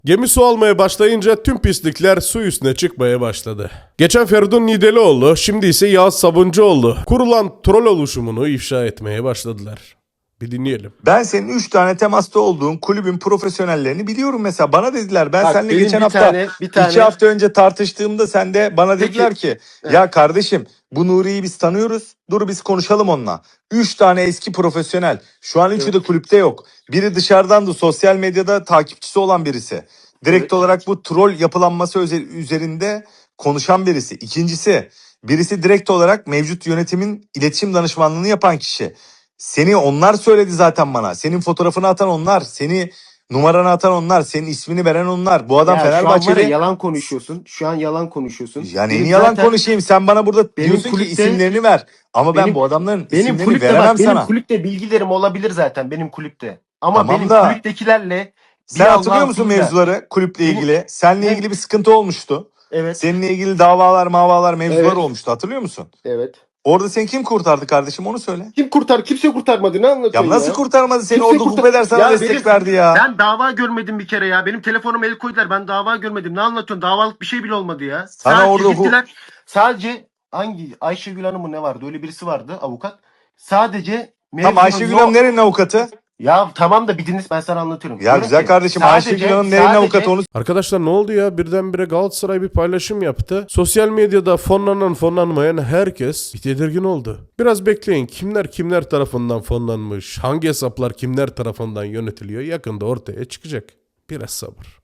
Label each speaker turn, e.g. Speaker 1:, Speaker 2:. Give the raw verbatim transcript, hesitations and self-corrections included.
Speaker 1: Gemi su almaya başlayınca tüm pislikler su üstüne çıkmaya başladı. Geçen Feridun Nidelioğlu, şimdi ise Yağız Sabuncuoğlu kurulan troll oluşumunu ifşa etmeye başladılar. Bir dinleyelim.
Speaker 2: Ben senin üç tane temasta olduğun kulübün profesyonellerini biliyorum mesela. Bana dediler, ben
Speaker 3: Bak,
Speaker 2: seninle
Speaker 3: benim
Speaker 2: geçen
Speaker 3: bir
Speaker 2: hafta
Speaker 3: tane- bir tane-
Speaker 2: iki hafta önce tartıştığımda sen de bana
Speaker 3: Peki.
Speaker 2: dediler ki
Speaker 3: Evet.
Speaker 2: ya kardeşim bu Nuri'yi biz tanıyoruz. Dur biz konuşalım onunla. Üç tane eski profesyonel. Şu an üçü
Speaker 3: Evet.
Speaker 2: de kulüpte yok. Biri dışarıdan da sosyal medyada takipçisi olan birisi. Direkt
Speaker 3: Evet.
Speaker 2: olarak bu troll yapılanması özel- üzerinde konuşan birisi. İkincisi, birisi direkt olarak mevcut yönetimin iletişim danışmanlığını yapan kişi. Seni onlar söyledi zaten bana. Senin fotoğrafını atan onlar. Seni numaranı atan onlar. Senin ismini veren onlar. Bu adam
Speaker 3: Ya şu an var ya
Speaker 2: Fenerbahçeli.
Speaker 3: yalan konuşuyorsun. Şu an yalan konuşuyorsun.
Speaker 2: Ya
Speaker 3: Benim
Speaker 2: neyini yalan
Speaker 3: zaten-
Speaker 2: konuşayım? Sen bana burada
Speaker 3: Benim
Speaker 2: diyorsun ki
Speaker 3: kulüpte-
Speaker 2: isimlerini ver. Ama ben
Speaker 3: benim-
Speaker 2: bu adamların
Speaker 3: Benim
Speaker 2: isimlerini
Speaker 3: kulüpte
Speaker 2: veremem
Speaker 3: bak, benim
Speaker 2: sana.
Speaker 3: kulüpte bilgilerim olabilir zaten benim kulüpte. Ama
Speaker 2: Tamam
Speaker 3: benim
Speaker 2: da-
Speaker 3: kulüptekilerle
Speaker 2: Sen
Speaker 3: bir
Speaker 2: hatırlıyor
Speaker 3: Allah'ın
Speaker 2: musun
Speaker 3: kuluyla-
Speaker 2: mevzuları kulüple
Speaker 3: Benim-
Speaker 2: ilgili? Seninle
Speaker 3: benim-
Speaker 2: ilgili bir sıkıntı olmuştu.
Speaker 3: Evet.
Speaker 2: Seninle ilgili davalar, mavalar, mevzular
Speaker 3: Evet.
Speaker 2: olmuştu. Hatırlıyor musun?
Speaker 3: Evet.
Speaker 2: Orada seni kim kurtardı kardeşim, onu söyle.
Speaker 3: Kim kurtar? Kimse kurtarmadı. Ne
Speaker 2: Ya
Speaker 3: anlatıyorsun ya?
Speaker 2: nasıl kurtarmadı seni?
Speaker 3: Kimse
Speaker 2: Orada
Speaker 3: kurtar-
Speaker 2: Hubeder sana
Speaker 3: Ya
Speaker 2: destek
Speaker 3: benim-
Speaker 2: verdi ya.
Speaker 3: Ben dava görmedim bir kere ya. Benim telefonuma el koydular. Ben dava görmedim. Ne anlatıyorsun? Davalık bir şey bile olmadı ya.
Speaker 2: Sana
Speaker 3: Sadece
Speaker 2: orada hu-
Speaker 3: gittiler. Sadece hangi Ayşegül Hanım mı ne vardı? Öyle birisi vardı, avukat. Sadece
Speaker 2: Tamam,
Speaker 3: mevzunun
Speaker 2: Ayşegül
Speaker 3: yok-
Speaker 2: Hanım nerenin avukatı?
Speaker 3: Ya tamam da bir dinle, ben sana anlatıyorum.
Speaker 2: Ya
Speaker 3: Diyorum
Speaker 2: güzel
Speaker 3: ki,
Speaker 2: kardeşim,
Speaker 3: sadece-
Speaker 2: Ayşegül Hanım nerenin
Speaker 3: sadece-
Speaker 2: avukatı onu
Speaker 1: Arkadaşlar ne oldu ya? Birdenbire Galatasaray bir paylaşım yaptı. Sosyal medyada fonlanan fonlanmayan herkes bir tedirgin oldu. Biraz bekleyin. Kimler kimler tarafından fonlanmış, hangi hesaplar kimler tarafından yönetiliyor yakında ortaya çıkacak. Biraz sabır.